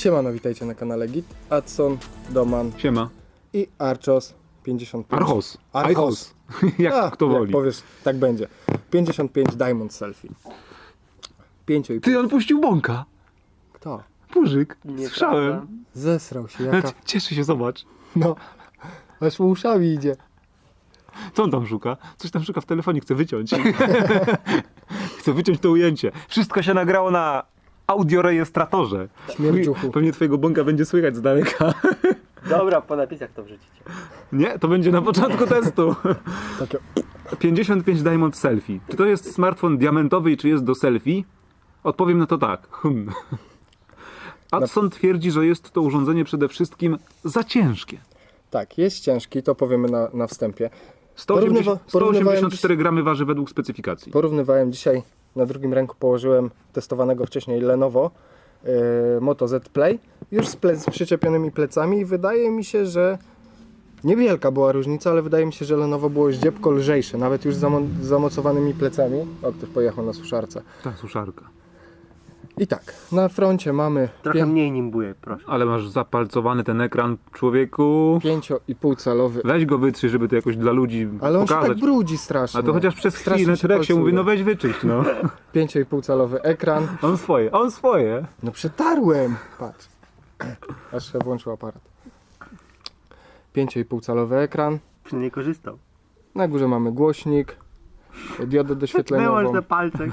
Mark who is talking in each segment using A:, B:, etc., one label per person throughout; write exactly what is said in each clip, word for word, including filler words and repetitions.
A: Siemano, witajcie na kanale Git, Adson, Doman
B: Siema.
A: i Archos pięćdziesiąt pięć.
B: Archos.
A: Archos.
B: Jak
A: A,
B: kto woli.
A: Jak powiesz, tak będzie. pięćdziesiąt pięć Diamond Selfie. pięć i pół.
B: Ty, on puścił bąka.
A: Kto?
B: Burzyk.
C: Nieprawda.
B: Słyszałem.
A: Zesrał się,
B: Jaka...
A: jaka...
B: Cieszy się, zobacz.
A: No, aż mu uszami idzie.
B: Co on tam szuka? Coś tam szuka w telefonie, chce wyciąć. Chce wyciąć to ujęcie. Wszystko się nagrało na audiorejestratorze.
A: Śmierdziuchu.
B: Pewnie twojego bąka będzie słychać z daleka.
C: Dobra, po napisach to wrzucicie.
B: Nie, to będzie na początku testu.
A: Takie...
B: pięćdziesiąt pięć Diamond Selfie. Czy to jest smartfon diamentowy i czy jest do selfie? Odpowiem na to tak. Hmm. Adson twierdzi, że jest to urządzenie przede wszystkim za ciężkie.
A: Tak, jest ciężki, to powiemy na, na wstępie.
B: sto osiemdziesiąt,
A: Porównywa-
B: sto osiemdziesiąt cztery
A: porównywałem
B: gramy waży według specyfikacji.
A: Porównywałem dzisiaj, na drugim ręku położyłem testowanego wcześniej Lenovo yy, Moto Z Play, już z, ple- z przyczepionymi plecami i wydaje mi się, że niewielka była różnica, ale wydaje mi się, że Lenovo było zdziepko lżejsze, nawet już z zamo- z zamocowanymi plecami. O, ktoś pojechał na suszarce.
B: Ta suszarka.
A: I tak, na froncie mamy
C: Trochę mniej nimbuje, proszę.
B: Ale masz zapalcowany ten ekran, człowieku.
A: pięć i pół calowy,
B: Weź go wytrzyj, żeby to jakoś dla ludzi
A: ale on się
B: pokazać.
A: tak brudzi strasznie.
B: A to chociaż przez
A: Strasznie
B: chwilę
A: się
B: Trek się mówi,
A: palcuje.
B: no weź wyczyść, no.
A: pięć i pół calowy ekran.
B: On swoje, on swoje.
A: No przetarłem! Patrz. Aż się włączył aparat. pięć i pół calowy ekran.
C: Przynajmniej korzystał.
A: Na górze mamy głośnik, diodę
C: Wyłącz
A: doświetleniową.
C: te palce.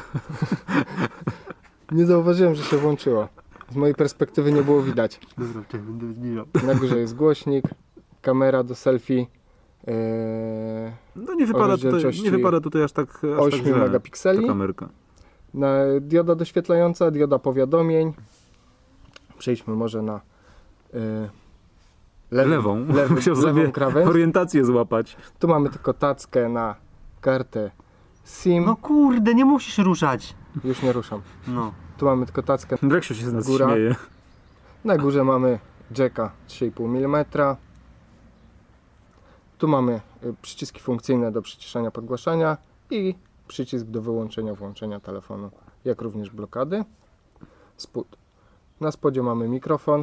A: Nie zauważyłem, że się włączyło. Z mojej perspektywy nie było widać.
C: Dobra, czekaj, będę zbliżał.
A: Na górze jest głośnik, kamera do selfie yy,
B: No nie wypada, tutaj,
A: rozdzielczości
B: nie wypada tutaj aż tak, aż tak
A: osiem
B: źle,
A: megapikseli.
B: ta kamerka.
A: na dioda doświetlająca, dioda powiadomień. Przejdźmy może na yy, lewy,
B: Lewą.
A: lewy,
B: Musiał
A: lewą
B: sobie
A: krawędź.
B: orientację złapać.
A: Tu mamy tylko tackę na kartę SIM.
C: No kurde, nie musisz ruszać.
A: Już nie ruszam.
C: No.
A: Tu mamy tylko tackę.
B: Dreksiu się z nas
A: Góra.
B: śmieje.
A: Na górze mamy jacka trzy i pół milimetra. Tu mamy y, przyciski funkcyjne do przyciszania, podgłaszania i przycisk do wyłączenia, włączenia telefonu, jak również blokady. Spód. Na spodzie mamy mikrofon,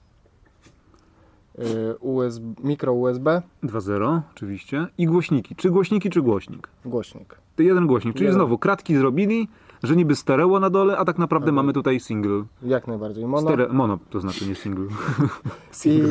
A: y, U S B, mikro U S B,
B: dwa zero oczywiście. I głośniki. Czy głośniki, czy głośnik?
A: głośnik.
B: To jeden głośnik, czyli
A: Jeden.
B: znowu kratki zrobili, że niby stereo na dole, a tak naprawdę
A: Mhm.
B: mamy tutaj single.
A: Jak najbardziej mono.
B: Stere mono to znaczy, nie single.
A: I...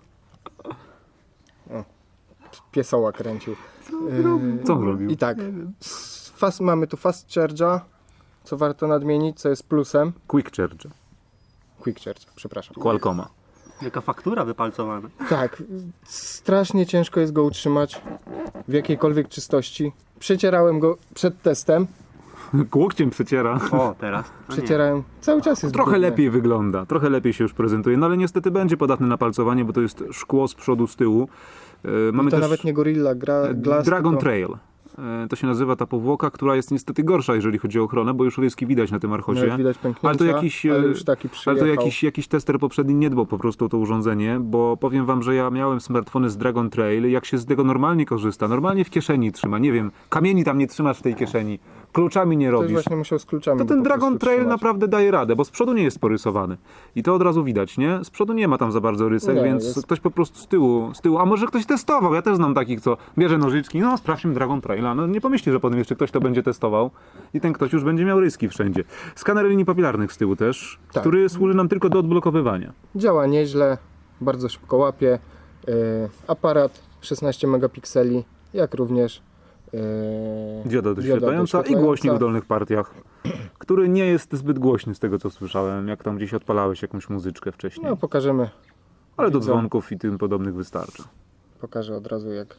A: O, piesoła kręcił. Yy,
B: Co on robił?
A: I tak, s- fast, mamy tu fast charge'a, co warto nadmienić, co jest plusem.
B: Quick Charge.
A: Quick charge, przepraszam.
B: Qualcomma.
C: Jaka faktura wypalcowana.
A: Tak, strasznie ciężko jest go utrzymać w jakiejkolwiek czystości. Przecierałem go przed testem,
B: Łokciem przeciera.
C: O, teraz. No nie.
A: przecierałem, cały czas jest
B: Trochę
A: brudny.
B: lepiej wygląda, trochę lepiej się już prezentuje, no ale niestety będzie podatny na palcowanie, bo to jest szkło z przodu, z tyłu. E, mamy
A: To
B: też
A: nawet nie Gorilla gra, Glass,
B: Dragon
A: tylko...
B: Trail. E, to się nazywa ta powłoka, która jest niestety gorsza, jeżeli chodzi o ochronę, bo już ryski widać na tym Archosie.
A: Nawet widać pęknięcia,
B: Ale to jakiś,
A: ale
B: e,
A: już taki
B: Ale
A: przyjechał.
B: to jakiś, jakiś tester poprzedni nie dbał po prostu o to urządzenie, bo powiem wam, że ja miałem smartfony z Dragon Trail, jak się z tego normalnie korzysta, normalnie w kieszeni trzyma, nie wiem, kamieni tam nie trzymasz w tej kieszeni, kluczami nie
A: Ktoś
B: robisz.
A: właśnie musiał z kluczami
B: To
A: go
B: ten
A: po
B: Dragon
A: prostu
B: Trail
A: trzymać.
B: naprawdę daje radę, bo z przodu nie jest porysowany. I to od razu widać, nie? Z przodu nie ma tam za bardzo rysek,
A: Nie,
B: więc
A: jest-
B: ktoś po prostu z tyłu, z tyłu, a może ktoś testował, ja też znam takich, co bierze nożyczki, no sprawdźmy Dragon Traila, no nie pomyślcie, że potem jeszcze ktoś to będzie testował i ten ktoś już będzie miał ryski wszędzie. Skaner linii papilarnych z tyłu też,
A: Tak.
B: który służy nam tylko do odblokowywania.
A: Działa nieźle, bardzo szybko łapie. Yy, aparat szesnaście megapikseli, jak również yy,
B: Dioda doświetlająca i głośnik w dolnych partiach, który nie jest zbyt głośny z tego, co słyszałem, jak tam gdzieś odpalałeś jakąś muzyczkę wcześniej.
A: No pokażemy,
B: Ale do
A: widzę.
B: dzwonków i tym podobnych wystarcza.
A: pokażę od razu jak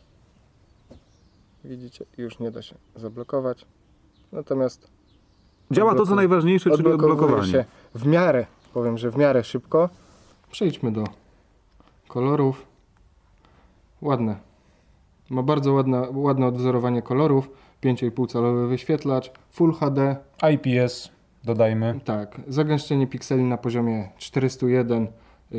A: widzicie, już nie da się zablokować. Natomiast
B: Działa to, co
A: Odblokuj-
B: najważniejsze, czyli
A: odblokowuje
B: odblokowanie.
A: się w miarę, powiem, że w miarę szybko. Przejdźmy do kolorów. Ładne. Ma bardzo ładne, ładne odwzorowanie kolorów. pięć i pół calowy wyświetlacz, Full H D.
B: I P S, dodajmy.
A: Tak, zagęszczenie pikseli na poziomie czterysta jeden yy,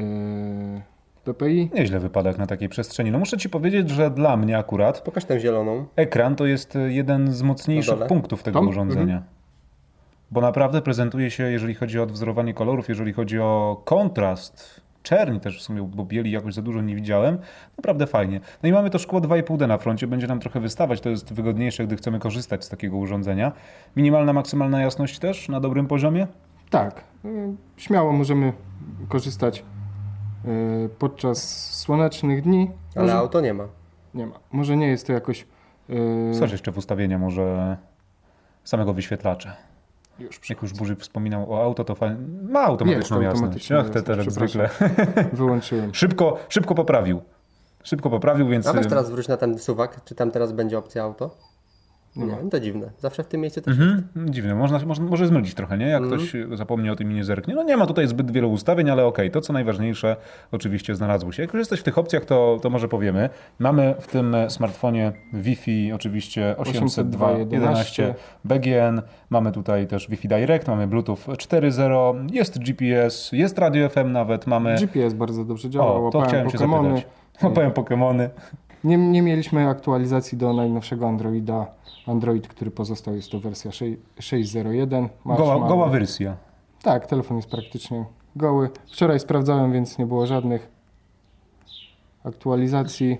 A: ppi.
B: Nieźle wypada jak na takiej przestrzeni. No muszę ci powiedzieć, że dla mnie akurat
D: Pokaż tę zieloną.
B: ekran to jest jeden z
D: Na
B: mocniejszych
D: dole?
B: punktów tego
A: Tam?
B: urządzenia. bo naprawdę prezentuje się, jeżeli chodzi o odwzorowanie kolorów, jeżeli chodzi o kontrast, czerni też w sumie, bo bieli jakoś za dużo nie widziałem, naprawdę fajnie. No i mamy to szkło dwa i pół D na froncie, będzie nam trochę wystawać, to jest wygodniejsze, gdy chcemy korzystać z takiego urządzenia. Minimalna, maksymalna jasność też na dobrym poziomie?
A: Tak, y, śmiało możemy korzystać y, podczas słonecznych dni.
C: Ale
A: Może,
C: auto nie ma.
A: nie ma. Może nie jest to jakoś... y,
B: Coś jeszcze w ustawienia może samego wyświetlacza.
A: Już
B: Jak już Burzyk wspominał o auto, to fajnie. Ma automatyczną
A: Jest
B: jasność.
A: automatyczna
B: Ach, te
A: jasność,
B: teraz zwykle.
A: wyłączyłem.
B: Szybko, szybko poprawił. Szybko poprawił, więc...
C: A weź teraz wróć na ten suwak, czy tam teraz będzie opcja auto?
A: Nie ma.
C: No to dziwne. Zawsze w tym miejscu też
B: Mhm, dziwne, można, można, może zmylić trochę, nie? Jak ktoś zapomni o tym i nie zerknie. No nie ma tutaj zbyt wielu ustawień, ale okej, to co najważniejsze oczywiście znalazło się. Jak już jesteś w tych opcjach, to, to może powiemy. Mamy w tym smartfonie Wi-Fi oczywiście osiemset dwa kropka jedenaście B G N, mamy tutaj też Wi-Fi Direct, mamy Bluetooth cztery zero, jest G P S, jest radio F M nawet, mamy...
A: G P S bardzo dobrze działa,
B: O, to
A: łapałem
B: chciałem się
A: Pokemony.
B: zapytać. Łapałem Pokemony.
A: Nie, nie mieliśmy aktualizacji do najnowszego Androida. Android, który pozostał, jest to wersja sześć zero jeden. Masz
B: Goła,
A: mały-
B: goła wersja.
A: Tak, telefon jest praktycznie goły. Wczoraj sprawdzałem, więc nie było żadnych aktualizacji.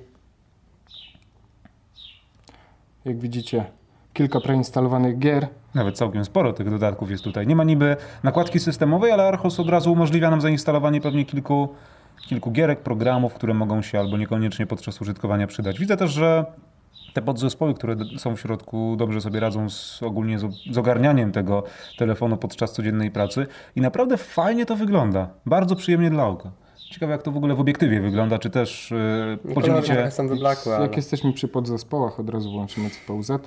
A: Jak widzicie, kilka preinstalowanych gier.
B: Nawet całkiem sporo tych dodatków jest tutaj. Nie ma niby nakładki systemowej, ale Archos od razu umożliwia nam zainstalowanie pewnie kilku, kilku gierek, programów, które mogą się albo niekoniecznie podczas użytkowania przydać. Widzę też, że te podzespoły, które d- są w środku, dobrze sobie radzą z, ogólnie z, z ogarnianiem tego telefonu podczas codziennej pracy i naprawdę fajnie to wygląda. Bardzo przyjemnie dla oka. Ciekawe jak to w ogóle w obiektywie wygląda, czy też yy, podzielicie...
C: trochę są wyblakłe, ale...
A: Jak jesteśmy przy podzespołach, od razu włączymy C P U Z.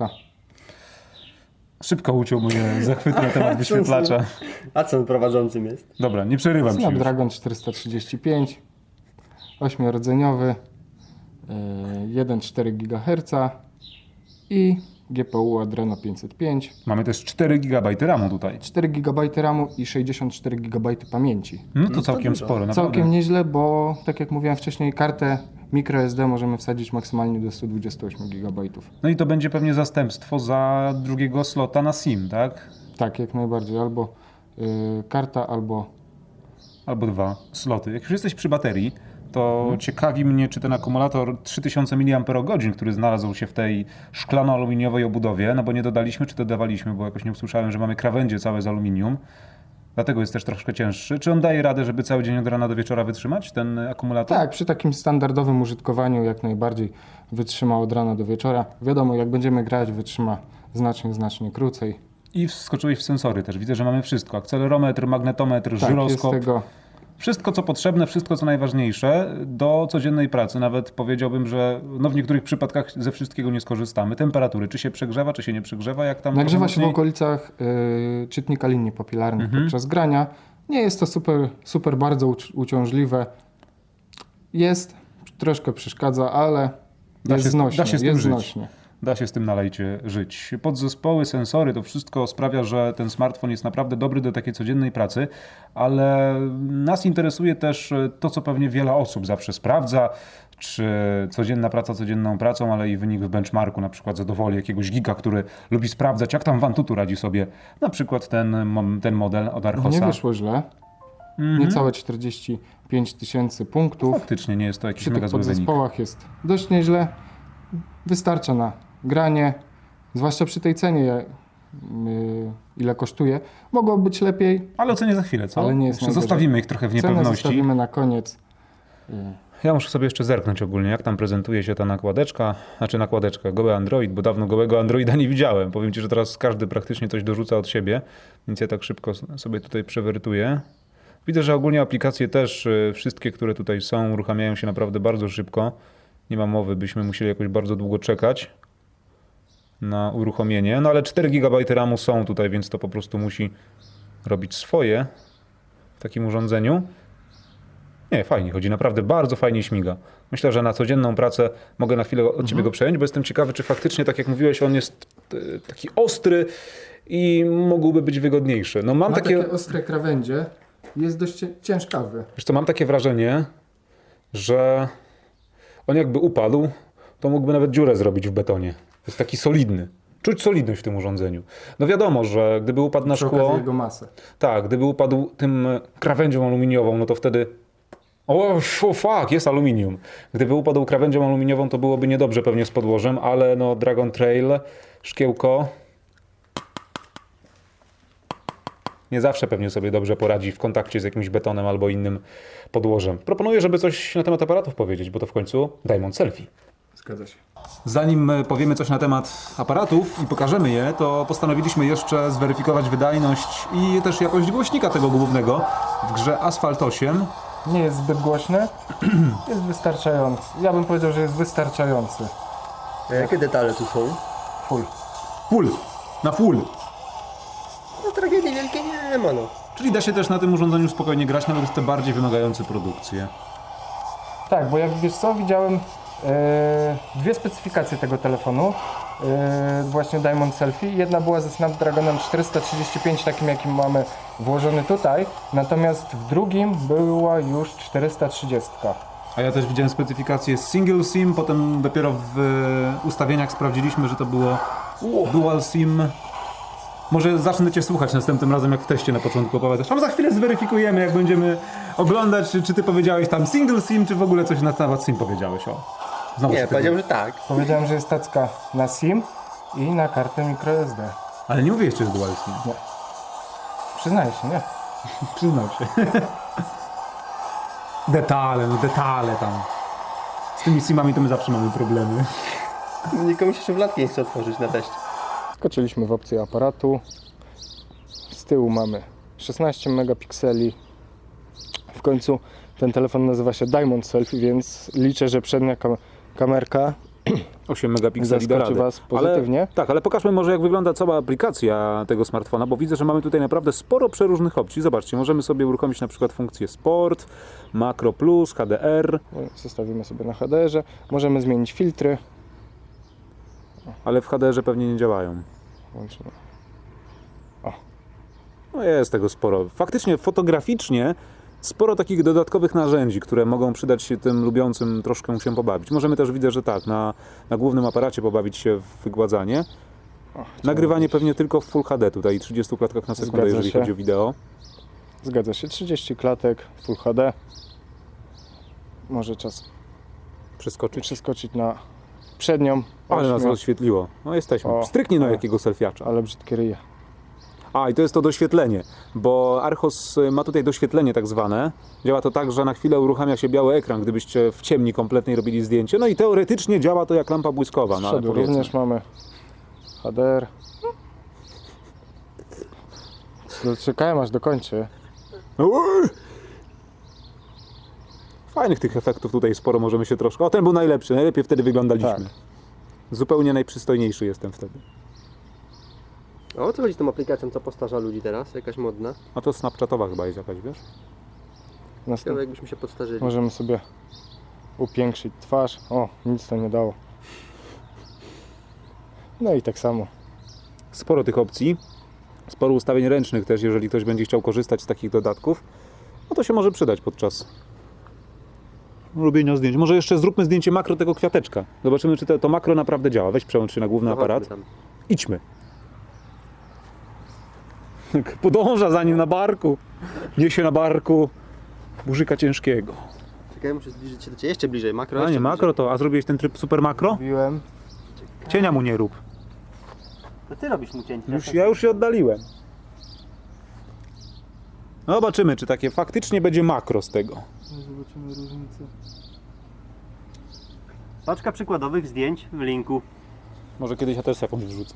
B: Szybko uciął mnie zachwyt na temat wyświetlacza.
C: A co on prowadzącym jest?
B: Dobra, nie przerywam ci już.
A: Snapdragon czterysta trzydzieści pięć, ośmiorodzeniowy, yy, jeden przecinek cztery gigaherca i G P U Adreno pięćset pięć,
B: Mamy też cztery gigabajty ramu tutaj.
A: cztery gigabajty ramu i sześćdziesiąt cztery gigabajty pamięci.
B: No to całkiem
C: dużo.
B: sporo, naprawdę.
A: Całkiem nieźle, bo tak jak mówiłem wcześniej, kartę microSD możemy wsadzić maksymalnie do sto dwadzieścia osiem gigabajtów.
B: No i to będzie pewnie zastępstwo za drugiego slota na SIM, tak?
A: Tak, jak najbardziej. Albo yy, karta, albo...
B: Albo dwa sloty. Jak już jesteś przy baterii, to ciekawi mnie, czy ten akumulator trzy tysiące miliamperogodzin, który znalazł się w tej szklano-aluminiowej obudowie, no bo nie dodaliśmy, czy dodawaliśmy, bo jakoś nie usłyszałem, że mamy krawędzie całe z aluminium. Dlatego jest też troszkę cięższy. Czy on daje radę, żeby cały dzień od rana do wieczora wytrzymać, ten akumulator?
A: Tak, przy takim standardowym użytkowaniu jak najbardziej wytrzyma od rana do wieczora. Wiadomo, jak będziemy grać, wytrzyma znacznie, znacznie krócej.
B: I wskoczyłeś w sensory też. Widzę, że mamy wszystko. Akcelerometr, magnetometr,
A: Tak, jest
B: żyroskop.
A: tego...
B: Wszystko, co potrzebne, wszystko, co najważniejsze do codziennej pracy. Nawet powiedziałbym, że no w niektórych przypadkach ze wszystkiego nie skorzystamy. Temperatury, czy się przegrzewa, czy się nie przegrzewa, jak tam...
A: Nagrzewa
B: trochę
A: się w
B: mocniej?
A: okolicach y, czytnika linii papilarnych
B: Mhm.
A: podczas grania. Nie jest to super, super bardzo uci- uciążliwe. Jest, troszkę przeszkadza, ale
B: Da
A: jest
B: się z-
A: znośnie.
B: da się z tym
A: jest
B: żyć.
A: znośnie.
B: Da się z tym na lejcie żyć. Podzespoły, sensory, to wszystko sprawia, że ten smartfon jest naprawdę dobry do takiej codziennej pracy, ale nas interesuje też to, co pewnie wiele osób zawsze sprawdza, czy codzienna praca codzienną pracą, ale i wynik w benchmarku, na przykład zadowoli jakiegoś giga, który lubi sprawdzać, jak tam w Antutu radzi sobie na przykład ten, mo- ten model od Archosa.
A: Nie wyszło źle.
B: Mhm.
A: Niecałe czterdzieści pięć tysięcy punktów.
B: Faktycznie nie jest to jakiś
A: Przy
B: mega
A: tych
B: zły wynik.
A: podzespołach jest dość nieźle. Wystarcza na granie, zwłaszcza przy tej cenie, je- y, ile kosztuje. Mogło być lepiej.
B: Ale ocenię za chwilę, co?
A: Ale nie jest
B: Jeszcze
A: najgorzej.
B: zostawimy ich trochę w
A: Cenę
B: niepewności.
A: zostawimy na koniec. Y,
B: Ja muszę sobie jeszcze zerknąć ogólnie, jak tam prezentuje się ta nakładeczka, znaczy nakładeczka, goły Android, bo dawno gołego Androida nie widziałem. Powiem Ci, że teraz każdy praktycznie coś dorzuca od siebie, więc ja tak szybko sobie tutaj przewertuję. Widzę, że ogólnie aplikacje też, y, wszystkie, które tutaj są, uruchamiają się naprawdę bardzo szybko. Nie ma mowy, byśmy musieli jakoś bardzo długo czekać na uruchomienie. No ale cztery gigabajty ramu są tutaj, więc to po prostu musi robić swoje w takim urządzeniu. Nie, fajnie chodzi, naprawdę bardzo fajnie śmiga. Myślę, że na codzienną pracę mogę na chwilę od Ciebie go przejąć, bo jestem ciekawy, czy faktycznie, tak jak mówiłeś, on jest e, taki ostry i mógłby być wygodniejszy. No mam
A: Ma
B: takie,
A: takie ostre krawędzie. Jest dość cie- ciężkawy.
B: wiesz co, mam takie wrażenie, że on jakby upadł, to mógłby nawet dziurę zrobić w betonie. Jest taki solidny. Czuć solidność w tym urządzeniu. No wiadomo, że gdyby upadł na
A: Przy okazji
B: szkło...
A: jego masę.
B: Tak, gdyby upadł tym krawędzią aluminiową, no to wtedy... O, oh, fuck, jest aluminium. Gdyby upadł krawędzią aluminiową, to byłoby niedobrze pewnie z podłożem, ale no Dragon Trail, szkiełko... Nie zawsze pewnie sobie dobrze poradzi w kontakcie z jakimś betonem albo innym podłożem. Proponuję, żeby coś na temat aparatów powiedzieć, bo to w końcu Diamond Selfie.
A: Zgadza się.
B: Zanim powiemy coś na temat aparatów i pokażemy je, to postanowiliśmy jeszcze zweryfikować wydajność i też jakość głośnika tego głównego w grze Asphalt osiem.
A: Nie jest zbyt głośny, jest wystarczający. Ja bym powiedział, że jest wystarczający.
C: A jakie detale tu są?
A: Full.
B: Full, na full.
C: No tragedii wielkiej nie ma no.
B: Czyli da się też na tym urządzeniu spokojnie grać, nawet w te bardziej wymagające produkcje.
A: Tak, bo jak wiesz co, widziałem e, dwie specyfikacje tego telefonu. E, właśnie Diamond Selfie. Jedna była ze Snapdragonem czterysta trzydzieści pięć, takim jakim mamy włożony tutaj. Natomiast w drugim była już czterysta trzydzieści.
B: A ja też widziałem specyfikację single SIM, potem dopiero w e, ustawieniach sprawdziliśmy, że to było dual SIM. Może zacznę Cię słuchać następnym razem, jak w teście na początku opowiadasz. A za chwilę zweryfikujemy, jak będziemy oglądać, czy, czy Ty powiedziałeś tam single SIM, czy w ogóle coś na temat SIM powiedziałeś. O. Znowu się
C: Nie,
B: tego-
C: powiedział, że tak.
A: Powiedziałem, że jest tacka na SIM i na kartę microSD.
B: Ale nie mówię jeszcze, że dual SIM.
A: Nie. Przyznaję się, nie?
B: Przyznał się. Detale, no detale tam. Z tymi SIMami to my zawsze mamy problemy.
C: Nikomu się szufladki nie chce otworzyć na teście.
A: Skoczyliśmy w opcję aparatu. Z tyłu mamy szesnaście megapikseli. W końcu ten telefon nazywa się Diamond Selfie, więc liczę, że przednia kam kamerka
B: osiem megapikseli da
A: zaskoczy
B: radę.
A: Was pozytywnie.
B: Ale, tak, ale pokażmy może, jak wygląda cała aplikacja tego smartfona, bo widzę, że mamy tutaj naprawdę sporo przeróżnych opcji. Zobaczcie, możemy sobie uruchomić na przykład funkcję Sport, Makro Plus, H D R,
A: Zostawimy sobie na H D R-ze. Możemy zmienić filtry.
B: ale w H D R-ze pewnie nie działają.
A: Włączymy.
B: No jest tego sporo. Faktycznie fotograficznie sporo takich dodatkowych narzędzi, które mogą przydać się tym lubiącym troszkę się pobawić. Możemy też, widzę, że tak, na, na głównym aparacie pobawić się w wygładzanie.
A: O,
B: Nagrywanie pewnie tylko w Full H D, tutaj trzydzieści klatkach na sekundę,
A: Zgadza
B: jeżeli
A: się.
B: chodzi o wideo.
A: Zgadza się, trzydzieści klatek, Full H D. Może czas
B: Przeskoczyć.
A: przeskoczyć na przednią.
B: Ale nas
A: Ośmiu,
B: rozświetliło. No jesteśmy.
A: O,
B: Stryknie na
A: ale-
B: jakiego selfiacza.
A: ale brzydkie ryje.
B: A, i to jest to doświetlenie, bo Archos ma tutaj doświetlenie tak zwane. Działa to tak, że na chwilę uruchamia się biały ekran, gdybyście w ciemni kompletnej robili zdjęcie. No i teoretycznie działa to jak lampa błyskowa.
A: Z
B: No, ale
A: przodu
B: powiedzmy.
A: również mamy H D R. Czekałem aż dokończy.
B: Uuu! Fajnych tych efektów tutaj sporo, możemy się troszkę... O, ten był najlepszy, najlepiej wtedy wyglądaliśmy.
A: Tak.
B: Zupełnie najprzystojniejszy jestem wtedy.
C: A o co chodzi z tą aplikacją, co postarza ludzi teraz? Jakaś modna?
B: A to Snapchatowa chyba jest jakaś, wiesz?
A: Następ...
C: Ciekawe jakbyśmy się podstarzyli.
A: Możemy sobie upiększyć twarz. O, nic to nie dało. No i tak samo.
B: Sporo tych opcji, sporo ustawień ręcznych też, jeżeli ktoś będzie chciał korzystać z takich dodatków, no to się może przydać podczas robienia zdjęć. Może jeszcze zróbmy zdjęcie makro tego kwiateczka. Zobaczymy, czy to, to makro naprawdę działa. Weź przełącz się na główny
C: No chodźmy
B: aparat.
C: tam.
B: Idźmy. Podąża za nim na barku. Niesie na barku burzyka ciężkiego.
C: Czekaj, muszę zbliżyć się do Ciebie. Jeszcze bliżej, makro.
B: A
C: jeszcze
B: nie makro to, a zrobiłeś ten tryb super makro?
A: Mówiłem.
B: Cienia mu nie rób.
C: bliżej. To Ty robisz mu cięcie.
B: Już, ja już się oddaliłem. No zobaczymy, czy takie faktycznie będzie makro z tego.
A: Zobaczymy różnicę.
C: Paczka przykładowych zdjęć w linku.
B: Może kiedyś ja też jakąś wrzucę.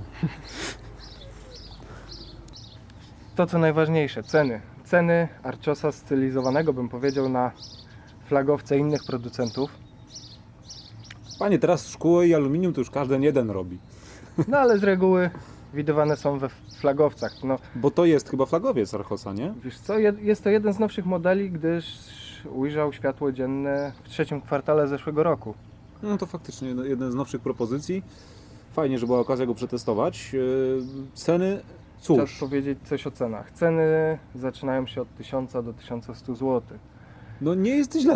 A: To co najważniejsze, ceny. Ceny Archosa stylizowanego, bym powiedział, na flagowce innych producentów.
B: Panie, teraz szkło i aluminium to już każdy jeden robi.
A: No ale z reguły widywane są we flagowcach. No
B: Bo to jest chyba flagowiec Archosa, nie?
A: wiesz co, jed- jest to jeden z nowszych modeli, gdyż ujrzał światło dzienne w trzecim kwartale zeszłego roku.
B: No to faktycznie jeden- jeden z nowszych propozycji. Fajnie, że była okazja go przetestować. Yy, Ceny,
A: Czas
B: cóż,
A: powiedzieć coś o cenach. Ceny zaczynają się od tysiąca do tysiąca stu złotych.
B: no nie jest źle.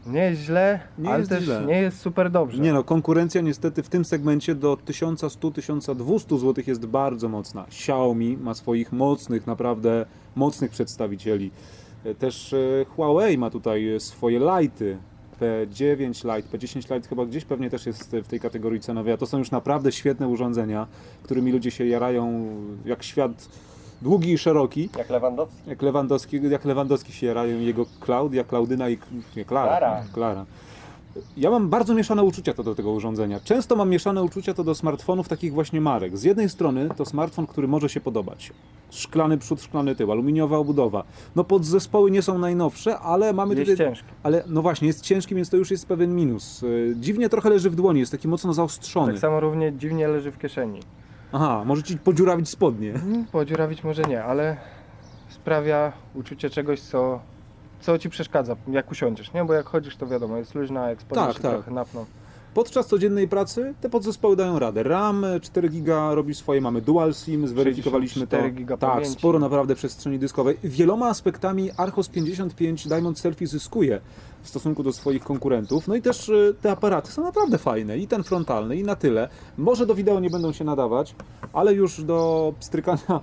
A: Nie jest źle,
B: Nie
A: ale
B: jest
A: też
B: źle.
A: nie jest super dobrze.
B: Nie no, konkurencja niestety w tym segmencie do tysiąc sto do tysiąc dwieście złotych jest bardzo mocna. Xiaomi ma swoich mocnych, naprawdę mocnych przedstawicieli. E, Też e, Huawei ma tutaj swoje lighty. P dziewięć Lite, P dziesięć Lite chyba gdzieś pewnie też jest w tej kategorii cenowej, a to są już naprawdę świetne urządzenia, którymi ludzie się jarają jak świat długi i szeroki.
C: Jak Lewandowski?
B: Jak Lewandowski, jak Lewandowski się jarają i jego Klaudia, Klaudyna i nie, Klara.
C: Klara.
B: Klara. Ja mam bardzo mieszane uczucia to do tego urządzenia. Często mam mieszane uczucia to do smartfonów takich właśnie marek. Z jednej strony to smartfon, który może się podobać. Szklany przód, szklany tył, aluminiowa obudowa. No podzespoły nie są najnowsze, ale mamy
A: Jest
B: tutaj...
A: ciężki.
B: Ale no właśnie, jest ciężki, więc to już jest pewien minus. Yy, Dziwnie trochę leży w dłoni, jest taki mocno zaostrzony.
A: Tak samo równie dziwnie leży w kieszeni.
B: Aha, może ci podziurawić spodnie.
A: Mm, Podziurawić może nie, ale sprawia uczucie czegoś, co, co ci przeszkadza, jak usiądziesz, nie? Bo jak chodzisz, to wiadomo, jest luźna, a jak spodnie
B: Tak,
A: się
B: tak.
A: trochę napną.
B: Podczas codziennej pracy te podzespoły dają radę. RAM cztery giga robi swoje, mamy Dual SIM, zweryfikowaliśmy to.
A: cztery giga
B: Tak,
A: pamięci.
B: sporo naprawdę przestrzeni dyskowej. Wieloma aspektami Archos pięćdziesiąt pięć Diamond Selfie zyskuje w stosunku do swoich konkurentów. No i też y, te aparaty są naprawdę fajne. I ten frontalny, i na tyle. Może do wideo nie będą się nadawać, ale już do pstrykania,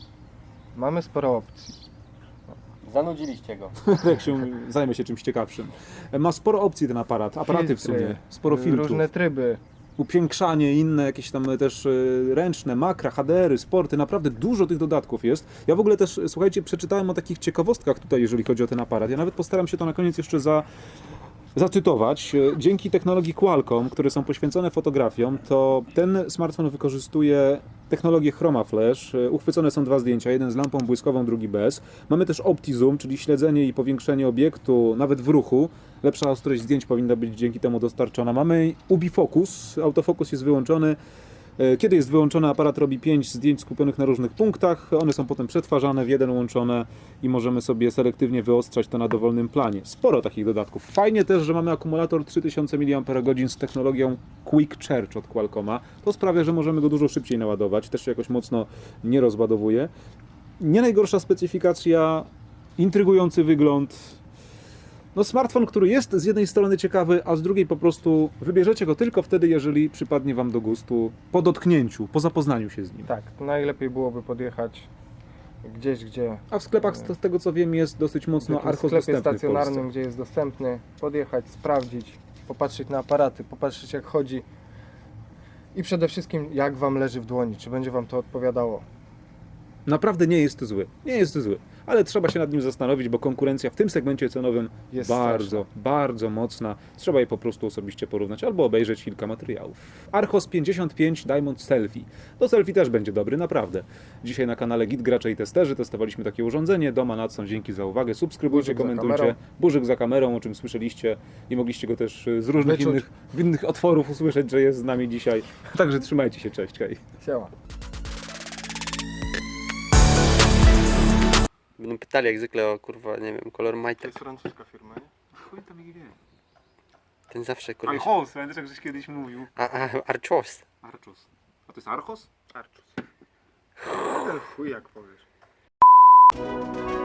A: Mamy sporo opcji.
C: Zanudziliście go.
B: jak się zajmę się czymś ciekawszym. Ma sporo opcji ten aparat, aparaty w
A: Filtry,
B: sumie, sporo filtrów.
A: Różne tryby.
B: Upiększanie, inne jakieś tam też y, ręczne, makra, H D R y, sporty, naprawdę dużo tych dodatków jest. Ja w ogóle też, słuchajcie, przeczytałem o takich ciekawostkach tutaj, jeżeli chodzi o ten aparat. Ja nawet postaram się to na koniec jeszcze za, zacytować. Y, Dzięki technologii Qualcomm, które są poświęcone fotografiom, to ten smartfon wykorzystuje technologię Chroma Flash. Y, Uchwycone są dwa zdjęcia, jeden z lampą błyskową, drugi bez. Mamy też OptiZoom, czyli śledzenie i powiększenie obiektu nawet w ruchu. Lepsza ostrość zdjęć powinna być dzięki temu dostarczona. Mamy UbiFocus, autofokus jest wyłączony. E, Kiedy jest wyłączony, aparat robi pięć zdjęć skupionych na różnych punktach. One są potem przetwarzane, w jeden łączone i możemy sobie selektywnie wyostrzać to na dowolnym planie. Sporo takich dodatków. Fajnie też, że mamy akumulator trzy tysiące miliamperów z technologią Quick Charge od Qualcomma. To sprawia, że możemy go dużo szybciej naładować. Też się jakoś mocno nie rozładowuje. Nie najgorsza specyfikacja, intrygujący wygląd. No smartfon, który jest z jednej strony ciekawy, a z drugiej po prostu wybierzecie go tylko wtedy, jeżeli przypadnie Wam do gustu po dotknięciu, po zapoznaniu się z nim.
A: Tak, najlepiej byłoby podjechać gdzieś, gdzie
B: A w sklepach, z z tego co wiem, jest dosyć
A: w
B: mocno
A: jakimś
B: Archos
A: sklepie
B: dostępny w
A: stacjonarnym,
B: Polsce.
A: gdzie jest dostępny, podjechać, sprawdzić, popatrzeć na aparaty, popatrzeć jak chodzi i przede wszystkim jak Wam leży w dłoni, czy będzie Wam to odpowiadało.
B: Naprawdę nie jest zły. Nie jest zły. Ale trzeba się nad nim zastanowić, bo konkurencja w tym segmencie cenowym
A: Jest
B: bardzo,
A: straszna.
B: bardzo mocna. Trzeba je po prostu osobiście porównać albo obejrzeć kilka materiałów. Archos pięćdziesiąt pięć Diamond Selfie. To selfie też będzie dobry, naprawdę. Dzisiaj na kanale Git Gracze i Testerzy testowaliśmy takie urządzenie. Doma Nadson, dzięki za uwagę. Subskrybujcie,
A: Burzyk za
B: komentujcie.
A: kamerą.
B: Burzyk za kamerą, o czym słyszeliście i mogliście go też z różnych
A: Wyczuć.
B: innych, innych otworów usłyszeć, że jest z nami dzisiaj. Także trzymajcie się, cześć, hej.
A: Siema.
C: Będą pytali jak zwykle o kurwa, nie wiem, kolor majtek.
A: francuska firma, nie?
B: Chuj tam ich wie.
C: Ten zawsze koleś.
B: Archos, pamiętasz jak żeś kiedyś mówił?
C: A, a, Archos.
B: Archos. A to jest Archos?
A: Arczus. Chuj jak powiesz.